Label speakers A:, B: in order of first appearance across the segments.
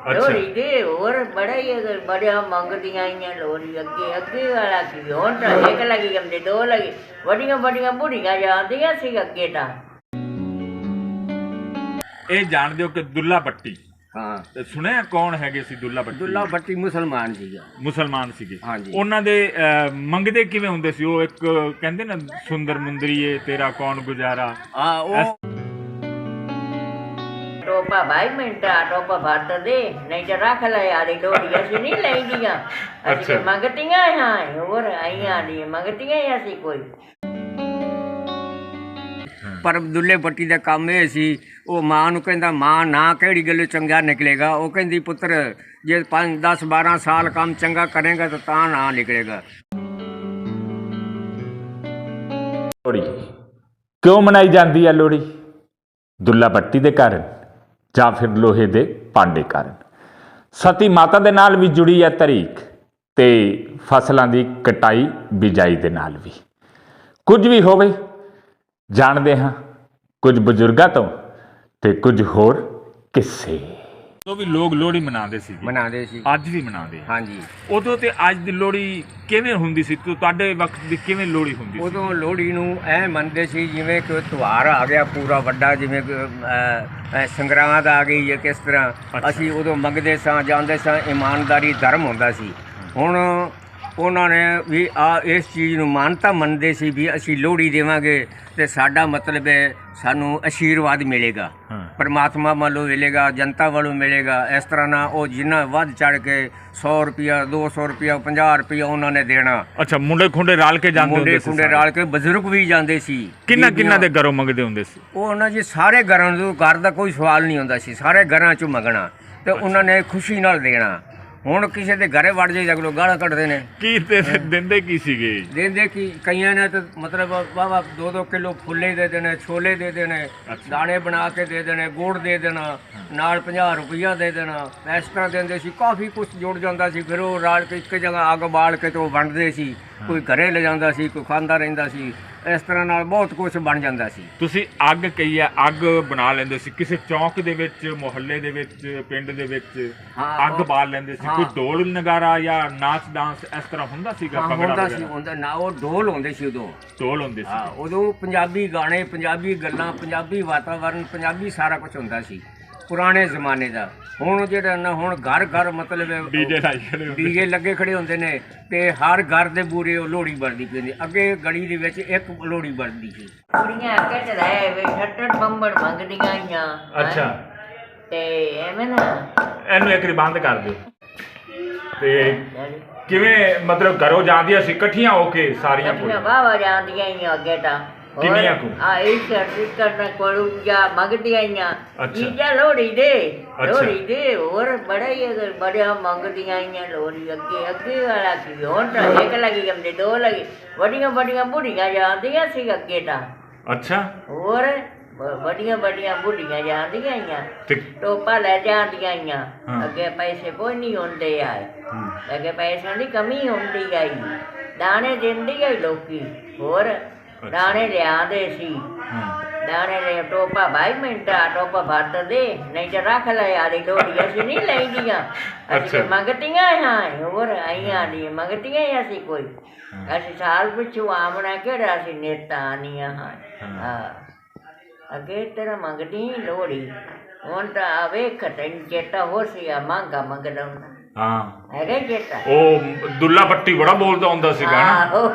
A: ਅੱਛਾ
B: ਲੋਹੜੀ ਦੇ ਹੋਰ ਬੜਾ ਹੀ ਬੜਿਆ ਮੰਗਦੀਆਂ ਆਈਆਂ ਲੋਹੜੀ ਅੱਗੇ ਅੱਗੇ ਵਾਲਾ ਕੀ ਹੁਣ ਤਾਂ ਇੱਕ ਲੱਗੀ ਜਾਂਦੇ ਦੋ ਲੱਗੀ ਵੱਡੀਆਂ ਵੱਡੀਆਂ ਬੁੜੀਆਂ ਜਾਂਦੀਆਂ ਸੀ ਅੱਗੇ ਤਾਂ।
A: ਇਹ ਜਾਣਦੇ ਹੋ ਕਿ ਦੁੱਲਾ ਭੱਟੀ
C: ਹਾਂ
A: ਤੇ ਸੁਣਿਆ ਕੌਣ ਹੈਗੇ ਸੀ ਦੁੱਲਾ ਭੱਟੀ?
C: ਦੁੱਲਾ ਭੱਟੀ ਮੁਸਲਮਾਨ ਸੀਗਾ।
A: ਮੁਸਲਮਾਨ ਸੀਗੇ।
C: ਹਾਂਜੀ।
A: ਉਹਨਾਂ ਦੇ ਮੰਗਦੇ ਕਿਵੇਂ ਹੁੰਦੇ ਸੀ? ਉਹ ਇੱਕ ਕਹਿੰਦੇ ਨਾ ਸੁੰਦਰ ਮੁੰਦਰੀਏ ਤੇਰਾ ਕੌਣ ਗੁਜ਼ਾਰਾ।
C: ਹਾਂ ਉਹ
B: ਟੋਪਾ ਭਾਈ ਮਿੰਟਾ ਟੋਪਾ ਭੱਟ ਦੇ ਨਹੀਂ ਤਾਂ ਰੱਖ ਲੈ ਯਾਰੀ ਲੋਹੜੀ ਅਸੀਂ ਨਹੀਂ ਲੈਂਦੀਆਂ ਅਸੀਂ ਤਾਂ ਮੰਗਤੀਆਂ ਹਾਂ ਹੋਰ ਆਈਆਂ ਨਹੀਂ ਮੰਗਤੀਆਂ ਹੀ ਅਸੀਂ ਕੋਈ।
C: ਪਰ ਦੁੱਲੇ ਭੱਟੀ ਦਾ ਕੰਮ ਇਹ ਸੀ ਉਹ ਮਾਂ ਨੂੰ ਕਹਿੰਦਾ ਮਾਂ ਨਾ ਕਿਹੜੀ ਗੱਲੋਂ ਚੰਗਾ ਨਿਕਲੇਗਾ। ਉਹ ਕਹਿੰਦੀ ਪੁੱਤਰ ਜੇ 5 10 12 ਸਾਲ ਕੰਮ ਚੰਗਾ ਕਰੇਗਾ ਤਾਂ ਨਾ ਨਿਕਲੇਗਾ।
A: ਲੋਹੜੀ ਕਿਉਂ ਮਨਾਈ ਜਾਂਦੀ ਹੈ? ਲੋਹੜੀ ਦੁੱਲਾ ਭੱਟੀ ਦੇ ਕਾਰਨ ਜਾਂ ਫਿਰ ਲੋਹੇ ਦੇ ਭਾਂਡੇ ਕਾਰਨ। ਸਤੀ ਮਾਤਾ ਦੇ ਨਾਲ ਵੀ ਜੁੜੀ ਹੈ ਤਰੀਕ ਤੇ ਫਸਲਾਂ ਦੀ ਕਟਾਈ ਬਿਜਾਈ ਦੇ ਨਾਲ ਵੀ। ਕੁਝ ਵੀ ਹੋਵੇ ਜਾਣਦੇ ਹਾਂ ਕੁਝ ਬਜ਼ੁਰਗਾਂ ਤੋਂ ਤੇ ਕੁਝ ਹੋਰ ਕਿੱਸੇ ਤੋਂ ਵੀ ਲੋਕ ਲੋਹੜੀ ਮਨਾਉਂਦੇ ਸੀ ਅੱਜ ਵੀ ਮਨਾਉਂਦੇ।
C: ਹਾਂਜੀ।
A: ਉਦੋਂ ਤੇ ਅੱਜ ਦੀ ਲੋਹੜੀ ਕਿਵੇਂ ਹੁੰਦੀ ਸੀ? ਤੁਹਾਡੇ ਵਕਤ ਦੀ ਕਿਵੇਂ ਲੋਹੜੀ ਹੁੰਦੀ ਸੀ?
C: ਉਦੋਂ ਲੋਹੜੀ ਨੂੰ ਐ ਮੰਨਦੇ ਸੀ ਜਿਵੇਂ ਕਿ ਤਿਉਹਾਰ ਆ ਗਿਆ ਪੂਰਾ ਵੱਡਾ, ਜਿਵੇਂ ਸੰਗਰਾਂਦ ਆ ਗਈ ਹੈ ਕਿਸ ਤਰ੍ਹਾਂ। ਅਸੀਂ ਉਦੋਂ ਮੰਗਦੇ ਸਾਂ ਜਾਂਦੇ ਸਾਂ, ਇਮਾਨਦਾਰੀ ਧਰਮ ਹੁੰਦਾ ਸੀ। ਹੁਣ ਉਹਨਾਂ ਨੇ ਵੀ ਇਸ ਚੀਜ਼ ਨੂੰ ਮਾਨਤਾ ਮੰਨਦੇ ਸੀ ਵੀ ਅਸੀਂ ਲੋਹੜੀ ਦੇਵਾਂਗੇ ਤੇ ਸਾਡਾ ਮਤਲਬ ਹੈ ਸਾਨੂੰ ਆਸ਼ੀਰਵਾਦ ਮਿਲੇਗਾ, ਪਰਮਾਤਮਾ ਵੱਲੋਂ ਮਿਲੇਗਾ, ਜਨਤਾ ਵੱਲੋਂ ਮਿਲੇਗਾ। ਇਸ ਤਰ੍ਹਾਂ ਨਾਲ ਉਹ ਜਿੰਨਾ ਵੱਧ ਚੜ੍ਹ ਕੇ 100 ਰੁਪਇਆ 200 ਰੁਪਇਆ 50 ਰੁਪਇਆ ਉਹਨਾਂ ਨੇ ਦੇਣਾ।
A: ਅੱਛਾ, ਮੁੰਡੇ ਖੁੰਡੇ ਰਲ ਕੇ ਜਾਂਦੇ ਹੁੰਦੇ ਸੀ?
C: ਮੁੰਡੇ ਖੁੰਡੇ ਰਲ ਕੇ, ਬਜ਼ੁਰਗ ਵੀ ਜਾਂਦੇ ਸੀ।
A: ਕਿੰਨਾ ਦੇ ਘਰੋਂ ਮੰਗਦੇ ਹੁੰਦੇ ਸੀ?
C: ਉਹ ਉਹਨਾਂ ਜੀ ਸਾਰੇ ਘਰਾਂ ਤੋਂ, ਘਰ ਦਾ ਕੋਈ ਸਵਾਲ ਨਹੀਂ ਹੁੰਦਾ ਸੀ, ਸਾਰੇ ਘਰਾਂ 'ਚੋਂ ਮੰਗਣਾ ਤੇ ਉਹਨਾਂ ਨੇ ਖੁਸ਼ੀ ਨਾਲ ਦੇਣਾ। ਹੁਣ ਕਿਸੇ ਦੇ ਘਰੇ ਵੜ ਜਾਈ ਅਗਲੋ ਗਾਲਾਂ ਕੱਢਦੇ ਨੇ।
A: ਕੀ ਦਿੰਦੇ ਕੀ ਸੀਗੇ?
C: ਦਿੰਦੇ ਕੀ ਕਈਆਂ ਨੇ ਤਾਂ ਮਤਲਬ ਵਾਵਾ 2-2 ਕਿਲੋ ਫੁੱਲੇ ਦੇ ਦੇਣੇ, ਛੋਲੇ ਦੇ ਦੇਣੇ, ਦਾਣੇ ਬਣਾ ਕੇ ਦੇ ਦੇਣੇ, ਗੁੜ ਦੇ ਦੇਣਾ, ਨਾਲ 50 ਰੁਪਈਆ ਦੇ ਦੇਣਾ। ਇਸ ਤਰ੍ਹਾਂ ਦਿੰਦੇ ਸੀ, ਕਾਫੀ ਕੁਛ ਜੁੜ ਜਾਂਦਾ ਸੀ। ਫਿਰ ਉਹ ਰਲ ਕੇ ਇੱਕ ਜਗ੍ਹਾ ਅੱਗ ਬਾਲ ਕੇ ਤੇ ਉਹ ਵੰਡਦੇ ਸੀ। ਕੋਈ ਘਰੇ ਲੈ ਜਾਂਦਾ ਸੀ, ਕੋਈ ਖਾਂਦਾ ਰਹਿੰਦਾ ਸੀ। ਇਸ ਤਰ੍ਹਾਂ ਨਾਲ ਬਹੁਤ ਕੁਛ ਬਣ ਜਾਂਦਾ ਸੀ।
A: ਤੁਸੀਂ ਅੱਗ ਕਹੀ ਹੈ, ਅੱਗ ਬਣਾ ਲੈਂਦੇ ਸੀ ਕਿਸੇ ਚੌਂਕ ਦੇ ਵਿੱਚ, ਮੁਹੱਲੇ ਦੇ ਵਿੱਚ, ਪਿੰਡ ਦੇ ਵਿੱਚ ਅੱਗ ਬਾਲ ਲੈਂਦੇ ਸੀ? ਕੋਈ ਢੋਲ ਨਗਾਰਾ ਜਾਂ ਨਾਚ ਡਾਂਸ ਇਸ ਤਰ੍ਹਾਂ ਹੁੰਦਾ ਸੀਗਾ?
C: ਹੁੰਦਾ ਸੀ, ਹੁੰਦਾ ਨਾ। ਉਹ ਢੋਲ ਹੁੰਦੇ ਸੀ, ਉਦੋਂ ਢੋਲ ਹੁੰਦੇ ਸੀ। ਉਦੋਂ ਪੰਜਾਬੀ ਗਾਣੇ, ਪੰਜਾਬੀ ਗੱਲਾਂ, ਪੰਜਾਬੀ ਵਾਤਾਵਰਨ, ਪੰਜਾਬੀ ਸਾਰਾ ਕੁਝ ਹੁੰਦਾ ਸੀ ਪੁਰਾਣੇ ਜ਼ਮਾਨੇ ਦਾ। ਹੁਣ ਜਿਹੜਾ ਨਾ ਹੁਣ ਘਰ ਘਰ ਮਤਲਬ ਡੀਜੇ ਲੱਗੇ ਖੜੇ ਹੁੰਦੇ ਨੇ ਤੇ ਹਰ ਘਰ ਦੇ ਬੂਰੇ ਉਹ ਲੋਹੜੀ ਵਰਦੀ ਪੈਂਦੀ। ਅੱਗੇ ਗਲੀ ਦੇ ਵਿੱਚ ਇੱਕ ਲੋਹੜੀ ਵਰਦੀ ਸੀ।
B: ਕੁੜੀਆਂ ਅੱਗੇ ਚ ਰਹਿ ਵੇ ਛੱਟੜ ਬੰਬੜ ਮੰਗਦੀਆਂ ਆਈਆਂ।
A: ਅੱਛਾ,
B: ਤੇ ਐਵੇਂ ਨਾ
A: ਇਹਨੂੰ ਇੱਕ ਵਾਰੀ ਬੰਦ ਕਰ ਦਿਓ। ਤੇ ਕਿਵੇਂ ਮਤਲਬ ਘਰੋਂ ਜਾਂਦੀਆਂ ਸੀ ਇਕੱਠੀਆਂ ਹੋ ਕੇ ਸਾਰੀਆਂ ਕੁੜੀਆਂ?
B: ਵਾਵਾ ਜਾਂਦੀਆਂ ਆਈਆਂ ਅੱਗੇ ਤਾਂ।
A: ਕਿੰਨੀਆਂ ਕੁ?
B: ਇਸ ਕਰਨ ਕੋਲ ਜਾਂ ਮੰਗਦੀਆਂ ਆਈਆਂ ਚੀਜ਼ਾਂ ਲੋਹੜੀ ਦੇ ਹੋਰ ਬੜਾ ਹੀ ਬੜਿਆ ਮੰਗਦੀਆਂ ਆਈਆਂ ਲੋਹੜੀ ਅੱਗੇ ਅੱਗੇ ਵਾਲਾ ਕੀ ਹੁਣ ਤਾਂ ਇੱਕ ਲੱਗੀ ਜਾਂਦੇ ਦੋ ਲੱਗੀ ਵੱਡੀਆਂ ਵੱਡੀਆਂ ਬੁੜੀਆਂ ਜਾਂਦੀਆਂ ਸੀ ਅੱਗੇ ਤਾਂ।
A: ਅੱਛਾ,
B: ਹੋਰ ਵੱਡੀਆਂ ਵੱਡੀਆਂ ਬੁੜੀਆਂ ਜਾਂਦੀਆਂ ਆਈਆਂ, ਟੋਪਾ ਲੈ ਜਾਂਦੀਆਂ ਆਈਆਂ। ਅੱਗੇ ਪੈਸੇ ਕੋਈ ਨਹੀਂ ਹੁੰਦੇ ਆਏ, ਅੱਗੇ ਪੈਸਿਆਂ ਦੀ ਕਮੀ ਹੁੰਦੀ ਆਈ। ਦਾਣੇ ਦਿੰਦੀ ਆਈ ਲੋਕੀ, ਹੋਰ ਦਾਣੇ ਲਿਆਂਦੇ ਸੀ। ਦਾਣੇ ਲੈ ਟੋਪਾ ਭਾਈ ਮਿੰਟਾ ਟੋਪਾ ਭੱਟ ਦੇ ਨਹੀਂ ਤਾਂ ਰੱਖ ਲੈ ਯਾਰੀ ਲੋਹੜੀ ਅਸੀਂ ਨਹੀਂ ਲੈਂਦੀਆਂ ਅਸੀਂ ਮੰਗਤੀਆਂ ਹਾਂ ਹੋਰ ਆਈਆਂ ਨਹੀਂ ਮੰਗਤੀਆਂ ਹੀ ਅਸੀਂ ਕੋਈ। ਅਸੀਂ ਸਾਲ ਪਿੱਛੋਂ ਆਮਣਾ ਕਿਹੜਾ ਅਸੀਂ ਨੇਤਾ ਆਨੀਆਂ ਹਾਂ। ਅੱਗੇ ਤਰ੍ਹਾਂ ਮੰਗਦੀ ਲੋਹੜੀ। ਹੁਣ ਤਾਂ ਵੇਖ ਤੈਨੂੰ ਚੇਤਾ ਹੋ ਸੀ ਆ ਮੰਗਾ ਮੰਗਦਾ ਹੁੰਦਾ।
A: ਹਾਂ
B: ਹੈਗਾ ਚੇਤਾ?
A: ਉਹ ਦੁੱਲਾ ਭੱਟੀ ਬੜਾ ਬੋਲਦਾ ਹੁੰਦਾ ਸੀਗਾ ਨਾ।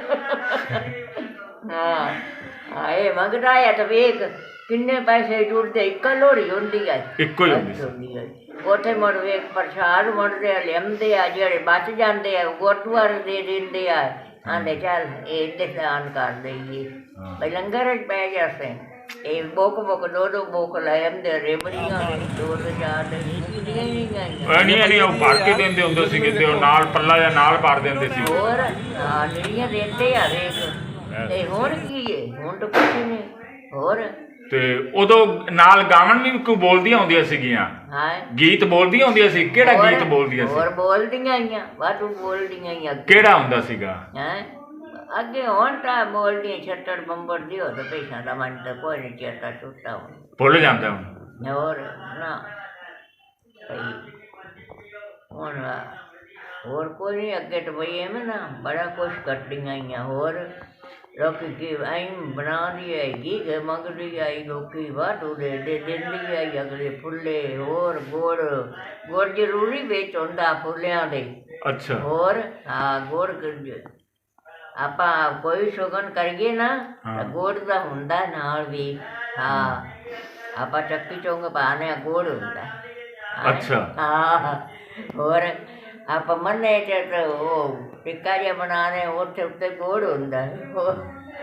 B: ਹਾਂ ਇਹ ਮੰਗਦਾ ਆ ਤਾਂ ਵੇਖ ਕਿੰਨੇ ਪੈਸੇ ਜੁੜਦੇ। ਇੱਕ ਲੋਹੜੀ ਹੁੰਦੀ ਆ,
A: ਇੱਕੋ ਹੀ ਹੁੰਦੀ
B: ਆ। ਉੱਥੇ ਮੁੜ ਵੇਖ ਪ੍ਰਸ਼ਾਦ ਮੁੜਦੇ ਆ, ਲਿਆਉਂਦੇ ਆ, ਜਿਹੜੇ ਬਚ ਜਾਂਦੇ ਆ ਗੋਟਵਾਰ ਦੇ ਦਿੰਦੇ ਆ। ਆਂਦੇ ਚੱਲ ਇਹ ਦਾਨ ਕਰ ਦੇਈਏ ਬਈ ਲੰਗਰ 'ਚ ਪੈ ਜਾਸੇ। ਇਹ ਬੁੱਕ ਦੋ ਬੁੱਕ ਲੈ ਆਉਂਦੇ ਰੇਬੜੀਆਂ 2 4
A: ਨਹੀਂ ਉਹ ਭਰ ਕੇ ਦਿੰਦੇ ਹੁੰਦੇ ਸੀਗੇ ਤੇ ਉਹ ਨਾਲ ਪੱਲਾ ਜਾਂ ਨਾਲ ਭਰ ਦਿੰਦੇ ਸੀ।
B: ਹੋਰ ਜਿਹੜੀਆਂ ਦਿੰਦੇ ਆ ਵੇਖ। ਤੇ ਹੁਣ ਕੀ ਹੈ? ਹੁਣ ਤਾਂ ਕੁਛ ਨਹੀਂ ਹੋਰ। ਤੇ
A: ਉਦੋਂ ਨਾਲ ਗਾਵਣ ਵੀ ਕੋਈ ਬੋਲਦੀਆਂ ਹੁੰਦੀਆਂ ਸੀਗੀਆਂ? ਗੀਤ ਬੋਲਦੀਆਂ ਹੁੰਦੀਆਂ ਸੀ? ਕਿਹੜਾ ਗੀਤ ਬੋਲਦੀਆਂ ਸੀ?
B: ਹੋਰ ਬੋਲਦੀਆਂ ਆਈਆਂ, ਵਾਧੂ ਬੋਲਦੀਆਂ ਆਈਆਂ।
A: ਕਿਹੜਾ ਹੁੰਦਾ ਸੀਗਾ?
B: ਅੱਗੇ ਹੁਣ ਤਾਂ ਬੋਲਦੀਆਂ ਛੱਟੜ ਬੰਬੜ ਦੀ ਹੋ ਤਾਂ ਪੈਸਾ ਦਾ ਮਨ ਤਾਂ ਕੋਈ ਨਹੀਂ ਚੇਤਾ ਛੁੱਟਾ ਹੁਣ,
A: ਭੁੱਲ ਜਾਂਦਾ ਹੁਣ।
B: ਹੋਰ ਨਾ ਹੁਣ ਹੋਰ ਕੋਈ ਨਹੀਂ, ਅੱਗੇ ਤਾਂ ਬਈ ਐਵੇਂ ਨਾ ਬੜਾ ਕੁਛ ਕਰਦੀਆਂ ਆਈਆਂ। ਹੋਰ ਲੋਕੀ ਕੀ ਐਂ ਬਣਾਉਂਦੀ ਹੈਗੀ ਕਿ ਮੰਗਦੀ ਆਈ, ਲੋਕੀ ਵਾਧੂ ਦੇ ਦਿੰਦੀ ਆਈ ਅਗਲੇ ਫੁੱਲੇ। ਹੋਰ ਗੁੜ, ਗੁੜ ਜ਼ਰੂਰੀ ਵਿੱਚ ਹੁੰਦਾ ਫੁੱਲਿਆਂ ਦੇ।
A: ਅੱਛਾ।
B: ਹੋਰ ਹਾਂ, ਗੁੜ ਆਪਾਂ ਕੋਈ ਸ਼ਗਨ ਕਰੀਏ ਨਾ ਤਾਂ ਗੁੜ ਦਾ ਹੁੰਦਾ ਨਾਲ ਵੀ। ਹਾਂ, ਆਪਾਂ ਚੱਕੀ ਚੌਂਕ ਪਾਉਂਦੇ ਹਾਂ, ਗੁੜ ਹੁੰਦਾ।
A: ਅੱਛਾ।
B: ਹਾਂ, ਹੋਰ ਆਪਾਂ ਮੰਨੇ ਚ ਤਾਂ ਉਹ ਟਿੱਕਾ ਜਿਹਾ ਬਣਾਉਂਦੇ, ਉੱਥੇ ਉੱਤੇ ਗੁੜ ਹੁੰਦਾ। ਹੋਰ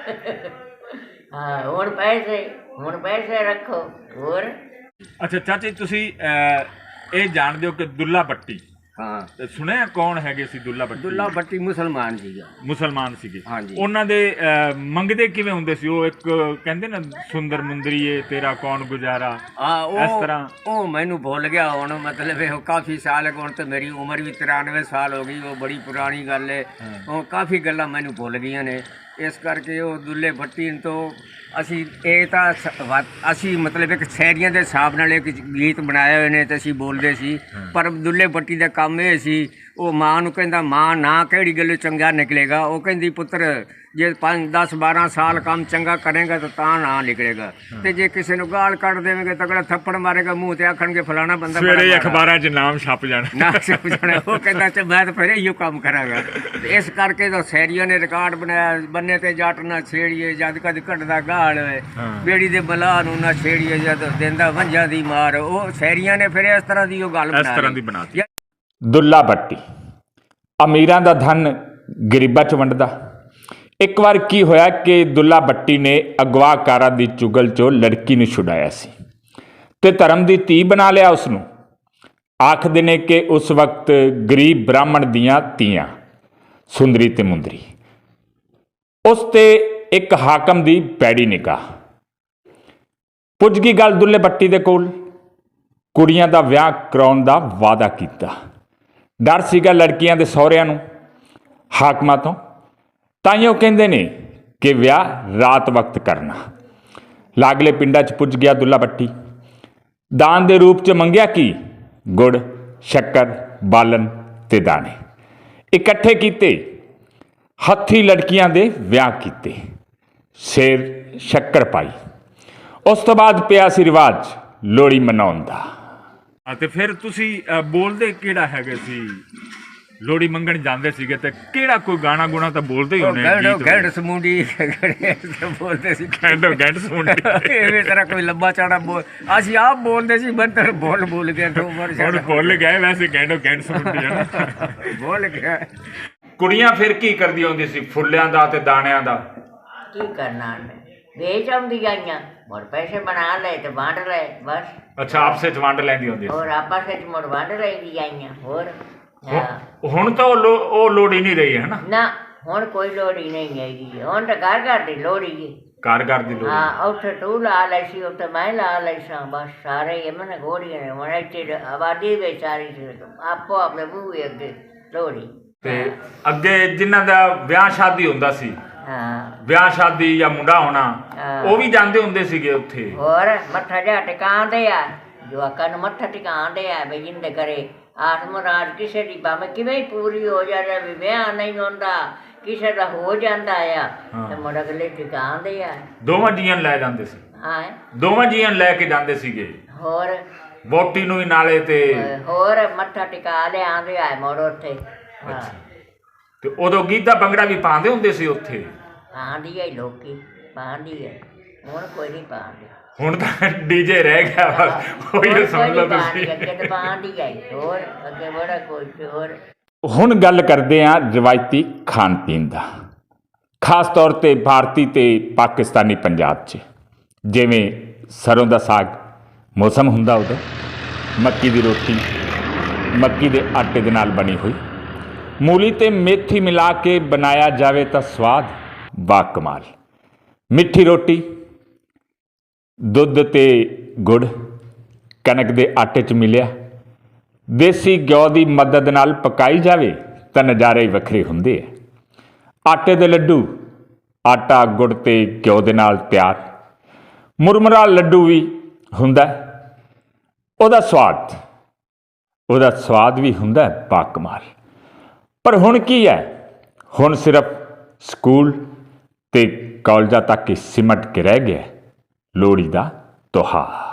B: ਹਾਂ, ਹੁਣ ਪੈਸੇ ਰੱਖੋ। ਹੋਰ
A: ਅੱਛਾ ਚਾਚੀ, ਤੁਸੀਂ ਇਹ ਜਾਣਦੇ ਹੋ ਕਿ ਦੁੱਲਾ ਭੱਟੀ,
C: ਹਾਂ,
A: ਤੇ ਸੁਣਿਆ ਕੌਣ ਹੈਗੇ ਸੀ ਦੁੱਲਾ ਭੱਟੀ?
C: ਦੁੱਲਾ ਭੱਟੀ ਮੁਸਲਮਾਨ ਸੀਗਾ।
A: ਮੁਸਲਮਾਨ ਸੀਗੇ।
C: ਹਾਂਜੀ।
A: ਉਹਨਾਂ ਦੇ ਮੰਗਦੇ ਕਿਵੇਂ ਹੁੰਦੇ ਸੀ? ਉਹ ਇੱਕ ਕਹਿੰਦੇ ਨਾ, ਸੁੰਦਰ ਮੁੰਦਰੀਏ ਤੇਰਾ ਕੌਣ ਗੁਜ਼ਾਰਾ,
C: ਹਾਂ,
A: ਇਸ ਤਰ੍ਹਾਂ।
C: ਉਹ ਮੈਨੂੰ ਭੁੱਲ ਗਿਆ ਹੁਣ, ਮਤਲਬ ਇਹ ਕਾਫੀ ਸਾਲ ਹੁਣ ਤੇ ਮੇਰੀ ਉਮਰ ਵੀ 93 ਸਾਲ ਹੋ ਗਈ, ਉਹ ਬੜੀ ਪੁਰਾਣੀ ਗੱਲ ਹੈ। ਉਹ ਕਾਫੀ ਗੱਲਾਂ ਮੈਨੂੰ ਭੁੱਲ ਗਈਆਂ ਨੇ, ਇਸ ਕਰਕੇ ਉਹ ਦੁੱਲੇ ਭੱਟੀ ਤੋਂ ਅਸੀਂ ਇਹ ਤਾਂ ਅਸੀਂ ਮਤਲਬ ਇੱਕ ਸ਼ਾਇਰੀਆਂ ਦੇ ਹਿਸਾਬ ਨਾਲ ਇੱਕ ਗੀਤ ਬਣਾਏ ਹੋਏ ਨੇ ਤੇ ਅਸੀਂ ਬੋਲਦੇ ਸੀ। ਪਰ ਦੁੱਲੇ ਭੱਟੀ ਦਾ ਕੰਮ ਇਹ ਸੀ, ਉਹ ਮਾਂ ਨੂੰ ਕਹਿੰਦਾ, ਮਾਂ ਨਾ ਕਿਹੜੀ ਗੱਲੋਂ ਚੰਗਾ ਨਿਕਲੇਗਾ। ਉਹ ਕਹਿੰਦੀ, ਪੁੱਤਰ ਜੇ 5 10 12 ਸਾਲ ਕੰਮ ਚੰਗਾ ਕਰੇਗਾ ਤਾਂ ਨਾ ਨਿਕਲੇਗਾ, ਤੇ ਜੇ ਕਿਸੇ ਨੂੰ ਗਾਲ ਕੱਢ ਦੇਵੇਂਗੇ ਤਗੜਾ ਥੱਪੜ ਮਾਰੇਗਾ ਮੂੰਹ ਤੇ, ਆਖਣਗੇ ਫਲਾਣਾ ਬੰਦਾ
A: ਸਵੇਰੇ ਅਖਬਾਰਾਂ 'ਚ ਨਾਮ ਛਪ ਜਾਣਾ।
C: ਨਾ ਛਪ ਜਾਣਾ। ਉਹ ਕਹਿੰਦਾ ਚ ਮੈਂ ਤਾਂ ਫਿਰ ਇਹੋ ਕੰਮ ਕਰਾਂਗਾ। ਤੇ ਇਸ ਕਰਕੇ ਤਾਂ ਸ਼ਾਇਰੀਆਂ ਨੇ ਰਿਕਾਰਡ ਬਣਾਇਆ, ਬੰਨੇ ਤੇ ਜੱਟ ਨਾ ਛੇੜੀਏ ਜਦ ਕਦ ਕੱਢਦਾ ਗਾਲ ਹੋਏ, ਬੇੜੀ ਦੇ ਬਲਾ ਨੂੰ ਨਾ ਛੇੜੀਏ ਜਦ ਦਿੰਦਾ ਵੰਝਾਂ ਦੀ ਮਾਰ। ਉਹ ਸ਼ਾਇਰੀਆਂ ਨੇ ਫਿਰ ਇਸ ਤਰ੍ਹਾਂ ਦੀ ਉਹ ਗੱਲ
A: ਬਣਾਈ। ਦੁੱਲਾ ਭੱਟੀ ਅਮੀਰਾਂ ਦਾ ਧਨ ਗਰੀਬਾਂ 'ਚ ਵੰਡਦਾ। ਇੱਕ ਵਾਰ ਕੀ ਹੋਇਆ ਕਿ ਦੁੱਲਾ ਭੱਟੀ ਨੇ ਅਗਵਾਕਾਰਾਂ ਦੀ ਚੁਗਲ 'ਚੋਂ ਲੜਕੀ ਨੂੰ ਛੁਡਾਇਆ ਸੀ ਤੇ ਧਰਮ ਦੀ ਧੀ ਬਣਾ ਲਿਆ ਉਸਨੂੰ। ਆਖਦੇ ਨੇ ਕਿ ਉਸ ਵਕਤ ਗਰੀਬ ਬ੍ਰਾਹਮਣ ਦੀਆਂ ਧੀਆਂ ਸੁੰਦਰੀ ਤੇ ਮੁੰਦਰੀ। ਉਸ ਤੇ ਇੱਕ ਹਾਕਮ ਦੀ ਪੈੜੀ ਨਿਗਾਹ ਪੁੱਜ ਗਈ ਗੱਲ ਦੁੱਲੇ ਭੱਟੀ ਦੇ ਕੋਲ। ਕੁੜੀਆਂ ਦਾ ਵਿਆਹ ਕਰਾਉਣ ਦਾ ਵਾਅਦਾ ਕੀਤਾ। ਡਰ ਸੀਗਾ ਲੜਕੀਆਂ ਦੇ ਸਹੁਰਿਆਂ ਨੂੰ, ਹਾਕਮਾਂ ਤੋਂ। ਤਾਈਓ ਕਹਿੰਦੇ ਨੇ ਕਿ ਵਿਆਹ ਰਾਤ ਵਕਤ ਕਰਨਾ। ਲਾਗਲੇ ਪਿੰਡਾਂ 'ਚ ਪੁੱਜ ਗਿਆ ਦੁੱਲਾ ਭੱਟੀ। ਦਾਨ ਦੇ ਰੂਪ 'ਚ ਮੰਗਿਆ ਕੀ? ਗੁੜ, ਸ਼ੱਕਰ, ਬਾਲਣ ਤੇ ਦਾਣੇ ਇਕੱਠੇ ਕੀਤੇ। ਹੱਥੀਂ ਲੜਕੀਆਂ ਦੇ ਵਿਆਹ ਕੀਤੇ, ਸਿਰ ਸ਼ੱਕਰ ਪਾਈ। ਉਸ ਤੋਂ ਬਾਅਦ ਪਿਆ ਸੀ ਰਿਵਾਜ ਲੋਹੜੀ ਮਨਾਉਣ ਦਾ। ਤੇ ਫਿਰ ਤੁਸੀਂ ਬੋਲਦੇ ਕਿਹੜਾ ਹੈਗੇ ਸੀ? ਲੋਹੜੀ ਮੰਗਣ ਜਾਂਦੇ ਸੀਗੇ ਤੇ ਕਿਹੜਾ ਕੋਈ ਗਾਣਾ ਗੁਣਾ ਤਾਂ ਬੋਲਦੇ ਹੀ ਹੋਣੇ?
C: ਗੈਂਡ ਸਮੂੰਡੀ ਬੋਲਦੇ ਸੀ।
A: ਗੈਂਡ ਸਮੂੰਡੀ
C: ਇਵੇਂ ਤਰ੍ਹਾਂ ਕੋਈ ਲੰਬਾ ਚੌੜਾ ਬੋਲ ਅਸੀਂ ਆਪ ਬੋਲਦੇ ਸੀ। ਬੰਦਰ ਬੋਲ ਗਿਆ
A: ਹੁਣ ਭੁੱਲ ਗਏ ਵੈਸੇ ਗੈਂਡ ਸਮੂੰਡੀ ਹੈ ਨਾ।
C: ਬੋਲ ਗਿਆ।
A: ਕੁੜੀਆਂ ਫਿਰ ਕੀ ਕਰਦੀਆਂ ਹੁੰਦੀ ਸੀ ਫੁੱਲਿਆਂ ਦਾ ਤੇ ਦਾਣਿਆਂ ਦਾ?
B: ਕੀ ਕਰਨਾ ਉਹਨੇ, ਵੇਚ ਆਉਂਦੀਆਂ ਆਈਆਂ, ਮੁੜ ਪੈਸੇ ਬਣਾ ਲਏ ਤੇ ਵੰਡ ਲਏ ਬਸ।
A: ਅੱਛਾ, ਆਪਸੇ 'ਚ ਵੰਡ ਲੈਂਦੀ ਹੁੰਦੀ ਸੀ।
B: ਹੋਰ ਆਪਸ ਵਿੱਚ ਮੁੜ ਵੰਡ ਲੈਂਦੀ ਆਈਆਂ। ਹੋਰ
A: ਹੁਣ ਤਾਂ ਉਹ ਲੋੜ ਹੀ ਨਹੀਂ ਰਹੀ ਹੈ
B: ਨਾ, ਹੁਣ ਕੋਈ ਲੋੜੀ ਨਹੀਂ ਹੈਗੀ। ਹੁਣ ਤਾਂ ਘਰ ਘਰ ਦੀ ਲੋੜੀ ਹੈ।
A: ਘਰ ਦੀ ਲੋੜ।
B: ਹਾਂ, ਉੱਥੇ ਤੂੰ ਲਾ ਲਈ ਸੀ, ਉੱਥੇ ਮੈਂ ਲਾ ਲਈ ਸਾਂ, ਬਸ ਸਾਰੇ ਇਹਨਾਂ ਗੋੜੀਆਂ ਨੇ। ਹੁਣ ਇੱਥੇ ਆਬਾਦੀ ਵਿੱਚ ਸਾਰੀ ਆਪੋ ਆਪਣੇ ਬੂਹੇ ਅੱਗੇ ਲੋੜੀ।
A: ਤੇ ਅੱਗੇ ਜਿਨ੍ਹਾਂ ਦਾ ਵਿਆਹ ਸ਼ਾਦੀ ਹੁੰਦਾ ਸੀ, ਵਿਆਹ ਸ਼ਾਦੀ ਜਾਂ ਮੁੰਡਾ ਹੋਣਾ, ਉਹ ਵੀ ਜਾਂਦੇ ਹੁੰਦੇ ਸੀਗੇ ਉੱਥੇ।
B: ਹੋਰ ਮੱਥਾ ਜਾ ਟਿਕਾਉਂਦੇ ਆ, ਜਵਾਕਾਂ ਨੂੰ ਮੱਥਾ ਟਿਕਾਉਂਦੇ ਆ ਵੀ ਜਿੰਦੇ ਕਰੇ ਆਤਮ ਰਾਜ ਕਿਸੇ ਦੀ ਭਾਵੇਂ ਕਿਵੇਂ ਹੀ ਪੂਰੀ ਹੋ ਜਾਵੇ, ਵੀ ਵਿਆਹ ਨਹੀਂ ਹੁੰਦਾ, ਕਿਸੇ ਦਾ ਹੋ ਜਾਂਦਾ ਆ ਤੇ ਮੁੜ ਅਗਲੇ ਟਿਕਾਉਂਦੇ ਆ।
A: ਦੋਵਾਂ ਜੀਆਂ ਲੈ ਜਾਂਦੇ ਸੀ।
B: ਹਾਂ,
A: ਦੋਵਾਂ ਜੀਆਂ ਲੈ ਕੇ ਜਾਂਦੇ ਸੀਗੇ।
B: ਹੋਰ
A: ਵੋਟੀ ਨੂੰ ਵੀ ਨਾਲੇ ਤੇ
B: ਹੋਰ ਮੱਥਾ ਟਿਕਾ ਲਿਆਉਂਦੇ ਆ ਮੁੜ ਉੱਥੇ। ਹਾਂ,
A: ਤੇ ਉਦੋਂ ਗਿੱਧਾ ਭੰਗੜਾ ਵੀ ਪਾਉਂਦੇ ਹੁੰਦੇ ਸੀ ਉੱਥੇ?
B: ਪਾਉਂਦੀ ਹੈ ਲੋਕੀ, ਪਾਉਂਦੀ ਹੈ। ਹੁਣ ਕੋਈ ਨਹੀਂ ਪਾਉਂਦੇ।
A: ਹੁਣ ਤਾਂ ਡੀਜੇ ਰਹਿ ਗਿਆ ਬਸ, ਉਹੀ ਸਮਝ ਲਓ ਤੁਸੀਂ।
B: ਅੱਗੇ ਤਾਂ ਪਾਉਂਦੀ ਹੈ, ਹੋਰ ਅੱਗੇ ਬੜਾ ਕੁਝ। ਹੋਰ
A: ਹੁਣ ਗੱਲ ਕਰਦੇ ਹਾਂ ਰਵਾਇਤੀ ਖਾਣ ਪੀਣ ਦਾ, ਖਾਸ ਤੌਰ ਤੇ ਭਾਰਤੀ ਤੇ ਪਾਕਿਸਤਾਨੀ ਪੰਜਾਬ 'ਚ। ਜਿਵੇਂ ਸਰੋਂ ਦਾ ਸਾਗ ਮੌਸਮ ਹੁੰਦਾ ਉਦੋਂ, ਮੱਕੀ ਦੀ ਰੋਟੀ ਮੱਕੀ ਦੇ ਆਟੇ ਦੇ ਨਾਲ ਬਣੀ ਹੋਈ, ਮੂਲੀ ਤੇ ਮੇਥੀ ਮਿਲਾ ਕੇ ਬਣਾਇਆ ਜਾਵੇ ਤਾਂ ਸਵਾਦ ਬਾਕਮਾਲ। ਮਿੱਠੀ ਰੋਟੀ ਦੁੱਧ ਤੇ ਗੁੜ ਕਣਕ ਦੇ ਆਟੇ 'ਚ ਮਿਲਿਆ, ਦੇਸੀ ਘਿਓ ਦੀ ਮਦਦ ਨਾਲ ਪਕਾਈ ਜਾਵੇ ਤਾਂ ਨਜ਼ਾਰੇ ਹੀ ਵੱਖਰੇ ਹੁੰਦੇ ਆ। ਆਟੇ ਦੇ ਲੱਡੂ ਆਟਾ ਗੁੜ ਤੇ ਘਿਓ ਦੇ ਨਾਲ ਤਿਆਰ। ਮੁਰਮੁਰਾ ਲੱਡੂ ਵੀ ਹੁੰਦਾ, ਉਹਦਾ ਸਵਾਦ ਉਹਦਾ ਸਵਾਦ ਵੀ ਹੁੰਦਾ ਬਾਕਮਾਲ। ਪਰ ਹੁਣ ਕੀ ਹੈ, ਹੁਣ ਸਿਰਫ ਸਕੂਲ ਤੇ ਕਾਲਜਾਂ ਤੱਕ ਹੀ ਸਿਮਟ ਕੇ ਰਹਿ ਗਿਆ ਲੋਹੜੀ ਦਾ ਤਿਉਹਾਰ।